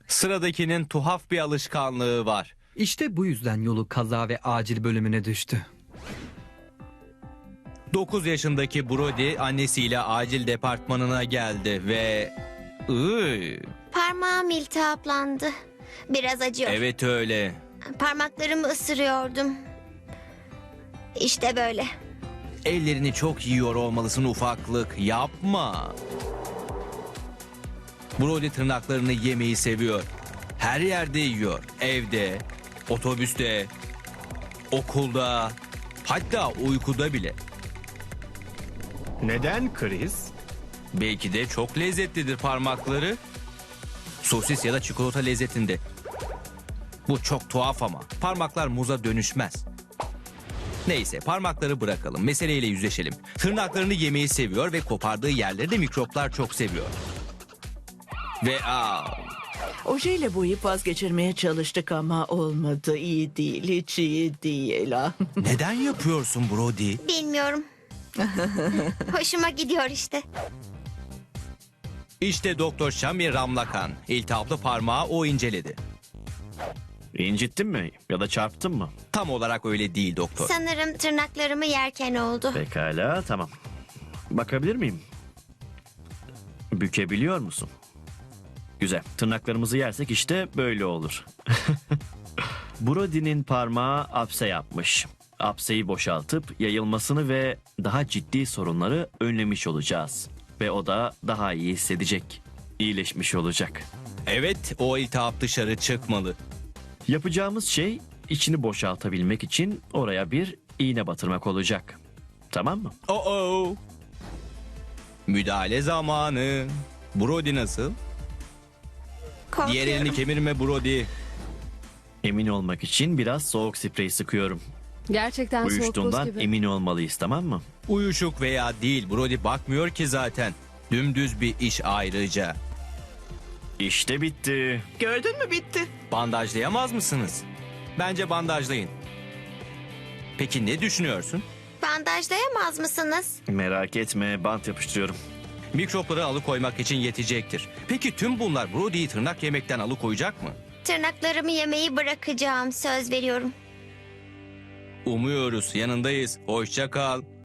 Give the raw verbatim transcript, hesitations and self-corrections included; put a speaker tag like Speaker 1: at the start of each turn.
Speaker 1: Sıradakinin tuhaf bir alışkanlığı var.
Speaker 2: İşte bu yüzden yolu kaza ve acil bölümüne düştü.
Speaker 1: dokuz yaşındaki Brody annesiyle acil departmanına geldi ve... Iy,
Speaker 3: Parmağım iltihaplandı. Biraz acıyor.
Speaker 1: evet öyle.
Speaker 3: Parmaklarımı ısırıyordum. İşte böyle.
Speaker 1: Ellerini çok yiyor olmalısın ufaklık. Yapma. Brody tırnaklarını yemeyi seviyor. Her yerde yiyor. Evde, otobüste, okulda, hatta uykuda bile.
Speaker 4: Neden Chris?
Speaker 1: Belki de çok lezzetlidir parmakları. Sosis ya da çikolata lezzetinde. Bu çok tuhaf ama parmaklar muza dönüşmez. Neyse parmakları bırakalım. Meseleyle yüzleşelim. Tırnaklarını yemeyi seviyor ve kopardığı yerleri de mikroplar çok seviyor. Ve aa,
Speaker 5: Ojeyle boyayıp vazgeçirmeye çalıştık ama olmadı. İyi değil, hiç iyi değil. Ah.
Speaker 1: neden yapıyorsun Brody?
Speaker 3: Bilmiyorum. Hoşuma gidiyor işte.
Speaker 1: İşte Doktor Şami Ramlakan. İltihaplı parmağı o inceledi.
Speaker 4: İncittin mi ya da çarptın mı?
Speaker 1: Tam olarak öyle değil doktor.
Speaker 3: Sanırım tırnaklarımı yerken oldu.
Speaker 4: Pekala, tamam. Bakabilir miyim? Bükebiliyor musun? Güzel. Tırnaklarımızı yersek işte böyle olur. Brody'nin parmağı apse yapmış. Apseyi boşaltıp yayılmasını ve daha ciddi sorunları önlemiş olacağız. Ve o da daha iyi hissedecek. İyileşmiş olacak.
Speaker 1: Evet, o iltihap dışarı çıkmalı.
Speaker 4: Yapacağımız şey içini boşaltabilmek için oraya bir iğne batırmak olacak. Tamam mı?
Speaker 1: Oh oh. Müdahale zamanı. Brody nasıl?
Speaker 3: Korkuyorum.
Speaker 1: Diğer elini kemirme Brody.
Speaker 4: Emin olmak için biraz soğuk sprey sıkıyorum.
Speaker 6: Gerçekten soğuk buz
Speaker 4: Uyuştuğundan
Speaker 6: gibi.
Speaker 4: emin olmalıyız, tamam mı?
Speaker 1: Uyuşuk veya değil Brody bakmıyor ki zaten. Dümdüz bir iş ayrıca.
Speaker 4: İşte bitti.
Speaker 5: Gördün mü, bitti.
Speaker 1: Bandajlayamaz mısınız? Bence bandajlayın. Peki ne düşünüyorsun?
Speaker 3: Bandajlayamaz mısınız?
Speaker 4: Merak etme, bant yapıştırıyorum.
Speaker 1: Mikropları alıkoymak için yetecektir. Peki tüm bunlar Brody'yi tırnak yemekten alıkoyacak mı?
Speaker 3: Tırnaklarımı yemeyi bırakacağım. Söz veriyorum.
Speaker 1: Umuyoruz, yanındayız. Hoşça kal.